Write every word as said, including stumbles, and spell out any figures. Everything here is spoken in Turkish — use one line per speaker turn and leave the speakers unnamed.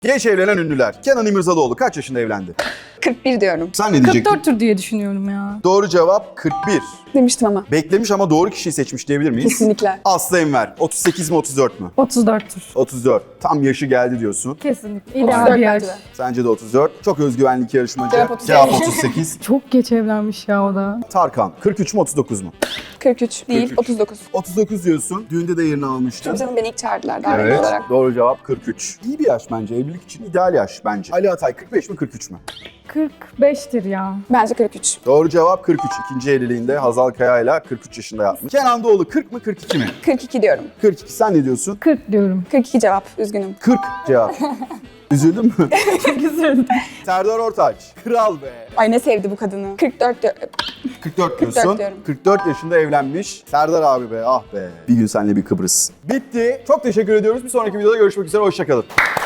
Geç evlenen ünlüler. Kenan İmirzalıoğlu kaç yaşında evlendi?
kırk bir diyorum.
Sen ne diyecektin?
kırk dörttür diye düşünüyorum ya.
Doğru cevap kırk bir.
Demiştim ama.
Beklemiş ama doğru kişiyi seçmiş diyebilir miyiz?
Kesinlikle.
Aslı Enver. otuz sekiz mi otuz dört mü?
otuz dörttür.
otuz dört. Tam yaşı geldi diyorsun.
Kesinlikle.
otuz
İdeal
dört
bir yaş.
bence de.
Sence de otuz dört. Çok özgüvenli iki yarışmacı.
Cevap otuz
Cevap
sekiz.
otuz sekiz.
Çok geç evlenmiş ya o da.
Tarkan. kırk üç mü otuz dokuz mu?
kırk üç değil,
kırk üç.
otuz dokuz.
otuz dokuz diyorsun. Düğünde de yerini almıştın.
Tabii canım beni ilk çağırdılar davetli
Evet.
olarak.
Doğru cevap kırk üç. İyi bir yaş bence. Evlilik için ideal yaş bence. Ali Atay kırk beş mi kırk üç mü?
kırk beştir ya.
Bence kırk üç.
Doğru cevap kırk üç. İkinci evliliğinde Hazal Kaya ile kırk üç yaşında yapmış. Kenan Doğulu kırk mı kırk iki mi?
kırk iki diyorum.
kırk iki. Sen ne diyorsun?
kırk diyorum.
kırk iki cevap. Üzgünüm.
kırk cevap. Üzüldün mü?
Güzel.
Serdar Ortaç. Kral be.
Ay ne sevdi bu kadını. kırk dört diyorum.
kırk dört
kırk dört
diyorsun.
diyorum.
kırk dört yaşında evlenmiş. Serdar abi be, ah be. Bir gün seninle bir Kıbrıs. Bitti. Çok teşekkür ediyoruz. Bir sonraki videoda görüşmek üzere. Hoşça kalın.